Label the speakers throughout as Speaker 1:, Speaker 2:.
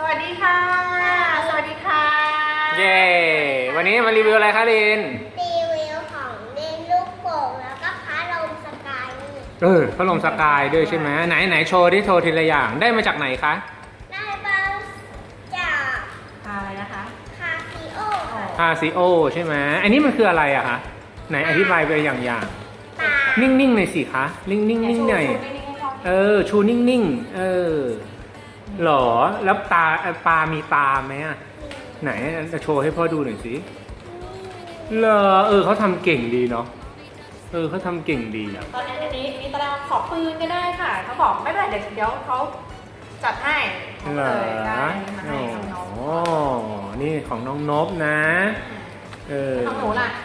Speaker 1: วัสดีค่ะสวัสดีค่ะ
Speaker 2: เย้วันนี้มารีวิวอะไรคะลิน
Speaker 3: รีวิวของเล่นลูกโป่งแล้วก็พัดลมสกาย
Speaker 2: พัดลมสกายด้วยใช่ไหมไหนโชว์ที่โชว์ทีละอย่างได้มาจากไหนคะ
Speaker 3: ได้มาจาก
Speaker 1: อะไรนะคะ
Speaker 3: คาซิโอ
Speaker 2: คาซิโอใช่ไหมอันนี้มันคืออะไรอะคะไหนอธิบายไปอย่าง
Speaker 3: ปลา
Speaker 2: นิ่งๆหน่อยสิคะนิ่งๆหน่อยชูนิ่งๆหรอแล้วปลามีตาไหมอะไหนจะโชว์ให้พ่อดูหน่อยสิเหรอเขาทำเก่งดีเนาะเขาทำเก่งดีอะ
Speaker 1: ตอนนี้ตอนแรกขอปืนก็ได้ค่ะเขาบอกไม่เป็นไรเดี๋ยวเขาจัดให้
Speaker 2: เหรอนี่ของน้องนบนะ
Speaker 1: ของหนูล่ะ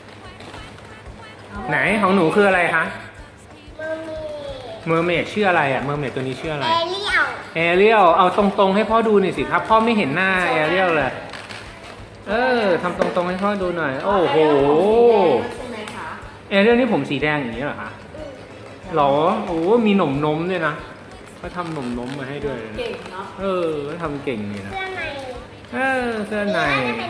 Speaker 2: ไหนของหนูคืออะไรคะ
Speaker 3: เมอร์เมด
Speaker 2: ชื่ออะไรอะเมอร์เมดตัวนี้ชื่ออะไร
Speaker 3: แอเรียล
Speaker 2: เอาตรงๆให้พ่อดูหน่อยสิครับพ่อไม่เห็นหน้าแอเรียลเลยทำตรงๆให้พ่อดูหน่อยโอ้โหแอเรียลนี่ผมสีแดงอย่างนี้เหรอคะหรอโอ้มีหนมด้วยนะเขาทำหนมมาให้ด้วย
Speaker 1: เก่งเนาะ
Speaker 2: เขาทำเก่งนี่นะ
Speaker 3: เสื้อใน
Speaker 2: เสื้อใน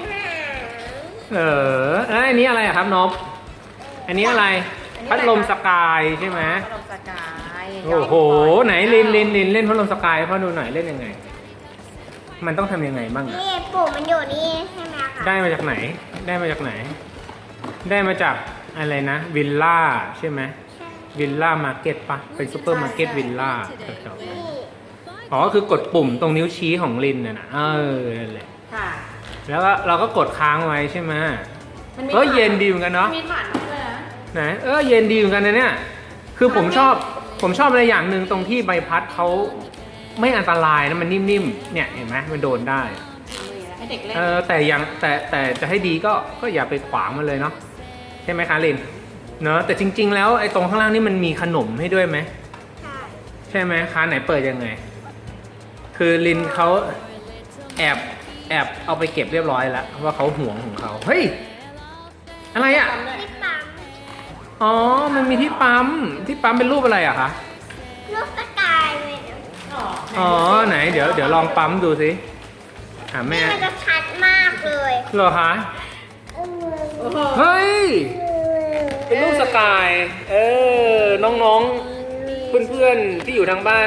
Speaker 3: อั
Speaker 2: นนี้อะไรครับนบอันนี้อะไรพัดลมสกายใช่ไหม
Speaker 1: พัดลมสกาย
Speaker 2: โอ้โหไหนลินเล่นพัดลมสกายพ่อดูหน่อยเล่นยังไงมันต้องทำยังไงบ้าง
Speaker 3: นี่ปุ่มมันอยู่นี่ใช่ไหมคะ
Speaker 2: ได้มาจากไหนได้มาจากอะไรนะวิลล่าใช่ไหมวิลล่ามาร์เก็ตปะเป็นซูเปอร์มาร์เก็ตวิลล่าอ๋อคือกดปุ่มตรงนิ้วชี้ของลินน่ะนะนั่นแหละ
Speaker 1: ค่ะ
Speaker 2: แล้วก็เราก็กดค้างไว้ใช่ไหมเย็นดีเหมือนกันเนาะ
Speaker 1: มีฐานด้วยนะ
Speaker 2: ไหนเย็นดีเหมือนกันนะเนี่ยคือผมชอบอะไรอย่างหนึ่งตรงที่ใบพัดเขาไม่อันตรายนะมันนิ่มๆเนี่ยเห็นไหมมันโดนได้
Speaker 1: ให้เด็กเล่น
Speaker 2: แต่จะให้ดีก็อย่าไปขวางมันเลยเนาะใช่ไหมคะลินเนอะแต่จริงๆแล้วไอ้ตรงข้างล่างนี่มันมีขนมให้ด้วยไหมใช่ไหมคะไหนเปิดยังไงคือลินเขาแอบเอาไปเก็บเรียบร้อยแล้วว่าเขาห่วงของเขาเฮ้ยอะไรอ่ะ
Speaker 3: ที่ปั๊ม
Speaker 2: อ๋อมันมีที่ปั๊มเป็นรูปอะไรอะคะ
Speaker 3: รูปสกายเลย
Speaker 2: ไหนเดี๋ยวลองปั๊มดูสิแม่
Speaker 3: มันจะชัดมากเลย
Speaker 2: เหรอคะเฮ้ยเป็นรูปสกายน้องๆเพื่อนๆที่อยู่ทางบ้าน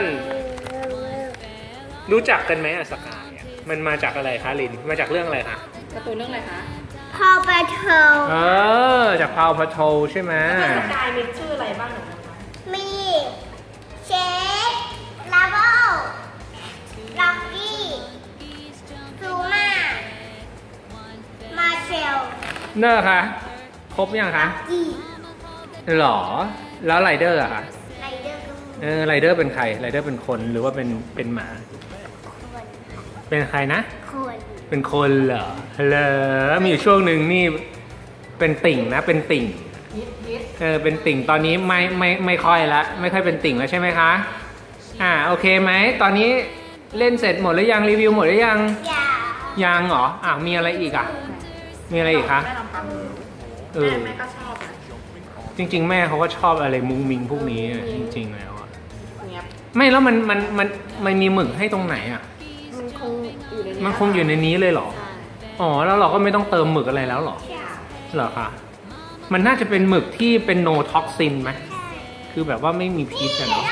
Speaker 2: รู้จักกันไหมอะสกายมันมาจากอะไรคะลินมาจากเรื่องอะไรคะ
Speaker 1: การ์ตูนเรื่องอะไรคะ
Speaker 3: พาวเวอร์เทล
Speaker 2: จากพาวเวอร์เทลใช่ไหม
Speaker 1: สกายมีชื่ออะไรบ้างหนู
Speaker 3: มีเชฟลาโบล็อกกี้ซูมามาเชล
Speaker 2: เนอร์คะครบยังคะหรอแล้วไรเดอร์อะคะไรเดอร์เป็นใครไรเดอร์เป็นคนหรือว่าเป็นหมาเป็นใครนะเป็นคนเหรอมีอยู่ช่วงหนึ่งนี่เป็นติ่งนะเป็นติ่งเป็นติ่งตอนนี้ไม่ค่อยละไม่ค่อยเป็นติ่งแล้วใช่ไหมคะโอเคไหมตอนนี้เล่นเสร็จหมดหรือยังรีวิวหมดหรือยังยังเหรอมีอะไรอีกมีอะไรอีกคะ
Speaker 1: แม่ก็ชอบ
Speaker 2: จริงๆแม่เขาก็ชอบอะไรมุ้งมิงพวกนี้จริงๆแล้วไม่แล้วมันมีหมึกให้ตรงไหนมันคงอยู่ในนี้เลยเหรอแล้วเราก็ไม่ต้องเติมหมึกอะไรแล้วเหรอคะมันน่าจะเป็นหมึกที่เป็นโนท็อกซินไหมคือแบบว่าไม่มีพิษเนาะ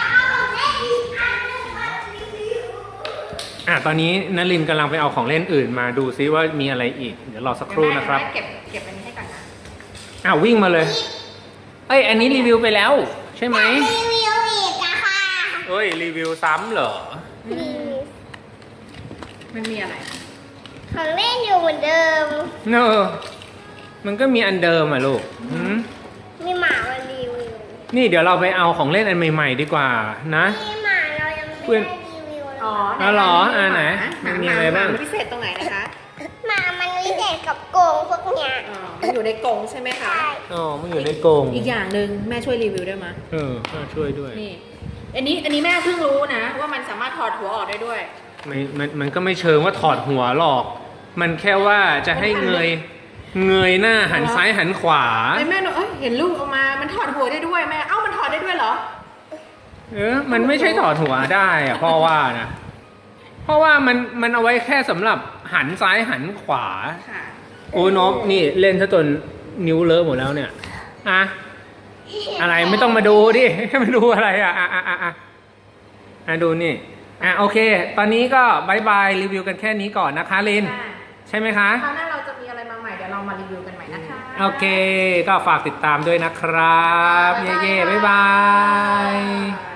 Speaker 2: ตอนนี้นลินกำลังไปเอาของเล่นอื่นมาดูซิว่ามีอะไรอีกเดี๋ยวรอสักครู่นะครับ
Speaker 1: เก็บอันนี้ให้ก่อนนะ
Speaker 2: วิ่งมาเลยอันนี้รีวิวไปแล้วใช่ไหม
Speaker 3: รีวิวอีกอะค่ะ
Speaker 2: รีวิวซ้ำเหรอ
Speaker 1: มันมีอะไร
Speaker 3: ของเล่นอยู่เหมือนเดิม
Speaker 2: มันก็มีอันเดิมลูก
Speaker 3: มีหมามารีวิว
Speaker 2: นี่เดี๋ยวเราไปเอาของเล่นอันใหม่ๆดีกว่านะ
Speaker 3: มีหมาเรายังไม่ได้รีวิว
Speaker 2: เหรอไหนมันมีอะไรบ้าง
Speaker 1: พิเศษตรงไหนนะคะ
Speaker 3: หมามันพิเศษกับกรงพวกเนี้ย
Speaker 1: มันอยู่ในกรงใช่ไหมคะ
Speaker 2: มันอยู่ในกรง
Speaker 1: อีกอย่างหนึ่งแม่ช่วยรีวิวได้ไหม
Speaker 2: แม่ช่วยด้วย
Speaker 1: นี่อันนี้แม่เพิ่งรู้นะว่ามันสามารถถอดหัวออกได้ด้วย
Speaker 2: มันก็ไม่เชิงว่าถอดหัวหรอกมันแค่ว่าจะให้เงยหน้าหันซ้ายหันขวา
Speaker 1: แม่หนูเห็นลูกออกมามันถอดหัวได้ด้วยแม่มันถอดได้ด้วยเหรอ
Speaker 2: มันไม่ใช่ถอดหัวได้พ่อว่านะเพราะว่ามันเอาไว้แค่สำหรับหันซ้ายหันขวา
Speaker 1: ค่ะ
Speaker 2: โอ้นบนี่เล่นซะจนนิ้วเลอะหมดแล้วเนี่ยอะอะไรไม่ต้องมาดูดิ มาดูอะไรดูนี่โอเค ตอนนี้ก็บายบายรีวิวกันแค่นี้ก่อนนะคะลิน
Speaker 1: ค่ะ
Speaker 2: ใช่ไหมคะ
Speaker 1: คราวหน้าเราจะมีอะไรมาใหม่เดี๋ยวเรามารีวิวกันใหม่นะคะ
Speaker 2: โอเค ก็ฝากติดตามด้วยนะครับ เย่ๆบ๊ายบาย